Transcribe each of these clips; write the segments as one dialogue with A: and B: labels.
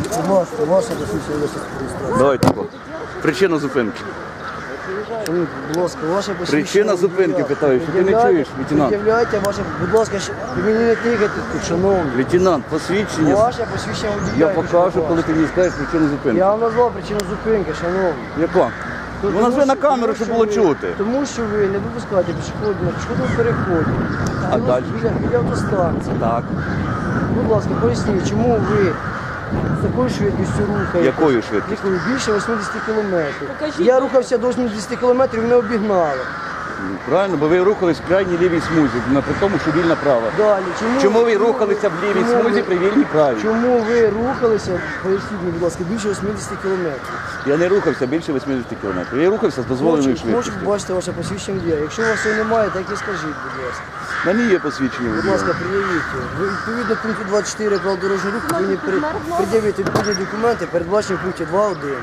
A: Будь ласка, ваша посвідчення реєстрації.
B: Давайте. Причина зупинки.
A: Будь ласка, ваше посвідчення.
B: Причина зупинки, питаю, що ти не чуєш, лейтенант?
A: Пред'являйте ваше, будь ласка, ви мені не тикайте тут, шановні.
B: Лейтенант, посвідчення.
A: Ваше посвідчення
B: Я
A: водія.
B: покажу, коли ти мені скажеш причину зупинки.
A: Я вам назвав причину зупинки, шановні.
B: Яка? Ну назви на камеру, щоб було чути.
A: Тому що ви не випускаєте пішоходів на пішохідному переході.
B: А далі?
A: Біля автостанції.
B: Так.
A: Будь ласка, поясніть, чому ви з такою швидкістю рухаєте?
B: Якою швидкістю?
A: Якою? Більше 80 кілометрів.
C: Покажіть.
A: Я рухався до 80 кілометрів, мене обігнали.
B: Правильно, бо ви рухались в крайній лівій смузі, при тому, що вільна права.
A: Далі,
B: Чому ви рухалися в лівій
A: чому
B: смузі
A: ви-
B: при вільній правій?
A: Чому ви рухалися, поясніть мені, будь ласка, більше 80 кілометрів?
B: Я не рухався більше 80 км. Я рухався з дозволеною
A: Хочу
B: швидкістю.
A: побачити ваше посвідчення водія. Якщо у вас його немає, так і скажіть, будь ласка.
B: На ній є посвідчення
A: Будь
B: водія.
A: ласка, пред'явіть його. Ви відповідно пункту 24 правил дорожнього руху повинні пред'явити відповідні документи, передбачені в пункті 2.1.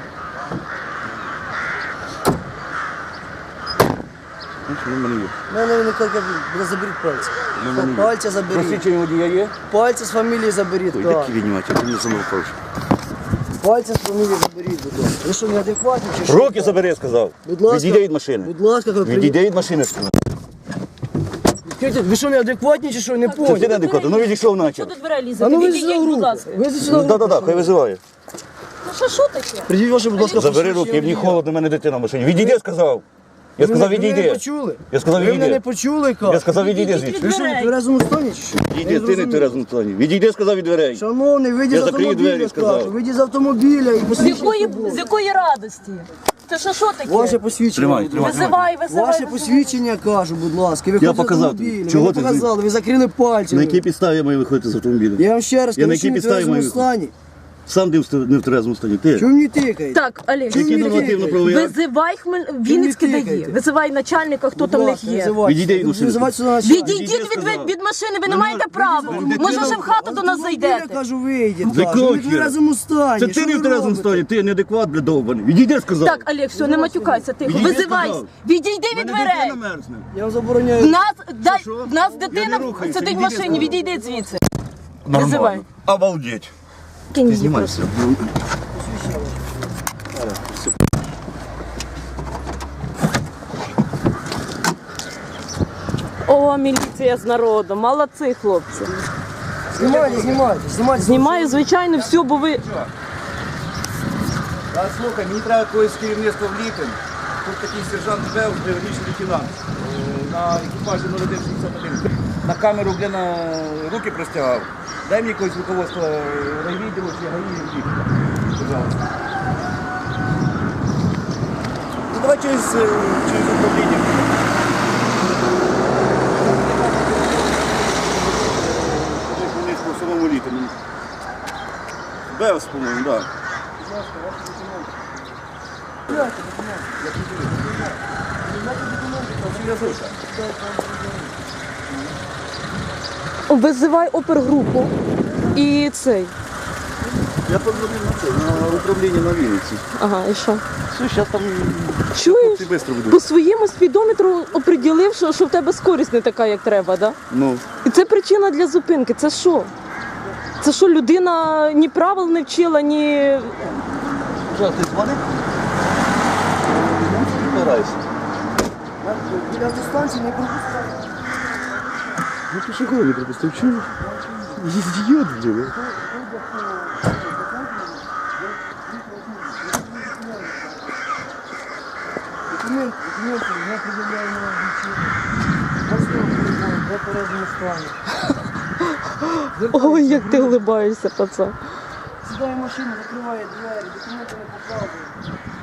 B: Значить, він в мене є.
A: У мене він каже, заберіть пальці. Пальця заберіть.
B: Посвідчення водія є?
A: Пальці з фамілії заберіть,
B: Ой,
A: так.
B: такі віднімати, ти мені самопавши.
A: Пальці з фамілії заберіть, будь ласка. Ви що, неадекватні чи що?
B: Руки забери, я сказав.
A: Будь ласка.
B: Відійди від машини.
A: Будь ласка,
B: Відійди від машини, сказав.
A: Ви що, неадекватні чи що? Не
B: Це ти
A: понял.
B: неадекватно. Ну відійшов
C: Що
B: наче.
C: до дверей
A: А
C: лізете?
A: ну ви
C: Відійдіть,
A: сюди
C: будь
A: руку.
C: ласка.
A: Ви сюди
B: Ну
A: руку.
B: так, хай визиває.
C: Ну що таке?
A: Придіть ваше, будь ласка,
B: Забери
A: посвідчення
B: руки, мені
A: водія.
B: холодно, в мене дитина в машині. Відійди, сказав. Я сказав,
A: Ви мене не
B: відійди.
A: почули?
B: Я сказав,
A: Ви мене не
B: відійди.
A: почули, кажу.
B: Я сказав, відійди
C: Відійдіть
B: звідси.
A: Ви що, в тверезому стані чи що?
B: Відійди, ти не в тверезому стані. Відійди, сказав, від дверей.
A: Шановний, вийдіть
B: Я
A: з
B: закрию
A: автомобіля,
B: двері, сказав.
A: скажу. Вийдіть з автомобіля і посвідчення.
C: З якої радості? Це що таке?
A: Ваше посвідчення.
B: Тримай,
A: будь
B: тримай.
A: ласка.
C: Визивай.
A: Ваше посвідчення, кажу, будь ласка. Ви
B: Я
A: ходите з
B: показав
A: автомобіля.
B: тобі. Чого
A: Ви
B: ти
A: не показали, ви закрили пальці.
B: На якій підставі я маю виходити з автомобіля?
A: Я вам ще раз
B: Я на
A: кажу, що
B: якій
A: ви в
B: підставі
A: тверезому
B: маю
A: стані.
B: Сам не в тверезому стані. Ти?
A: Чому мені тикаєте?
C: Так, Олег,
A: Чому
B: Які
A: мені
B: нормативно-правові акти?
C: визивай Вінницьке дає.
A: тикаєте?
C: Визивай начальника, хто там в них є.
B: Відійди від машини.
A: Визивайте сюди начальника.
C: Відійдіть від машини, ви не маєте права.
B: дитина-
C: Може, вже в хату до нас
A: Я
C: зайдете.
A: кажу, вийдіть.
B: З якого
A: кажу. Ви в
B: хіра?
A: тверезому стані.
B: Це ти
A: Що
B: не
A: ви
B: в тверезому
A: робите?
B: стані, ти неадекват, бля, довбаний. Відійди, сказав.
C: Так, Олег, все, не матюкайся, тихо.
B: Відійди,
C: Визивай.
B: сказав.
C: Відійди від дверей.
B: мерзне.
A: Я вам забороняю.
C: В нас дитина
B: не рухаюся,
C: сидить в
B: відійди,
C: машині,
B: сказав.
C: відійди звідси. Визивай.
B: Обалдеть.
C: Кинь її
B: Знімайся.
C: просто. О, міліція з народом, молодці, хлопці.
A: Знімайте.
C: Знімаю, звичайно, все, бо ви...
B: А слухай, мені треба когось з керівництва в Літин. Тут такий сержант Бев, граничний лейтенант. На екіпажі 0161. На камеру, бля, на руки простягав. Дай мені якогось руководства райвідділу чи гаї в Літин. Пожалуйста. Ну давай через управління. По самому Літину. Бевс, по-моєму, так. Да.
C: Визивай опергрупу і цей.
B: Я позвонив на управління на Вінниці.
C: Ага, і що?
B: Все, зараз там
C: Чуєш?
B: хлопці швидко будуть.
C: По своєму спідометру оприділив, що в тебе скорість не така, як треба, да?
B: Ну,
C: І це причина для зупинки. Це що? Це що, людина ні правил не вчила, ні...
B: що, ти дзвонив? Збирайся.
A: Біля автостанції не пропускають.
B: Ну ти що не пропустив? Чого? Ідіот, блін.
A: Документи, я пред'являю на обличчя. Паспорт, я передньому стані.
C: Ой, як ти улибаєшся, пацан.
A: Сідає в машину, закриває двері, документи не показує.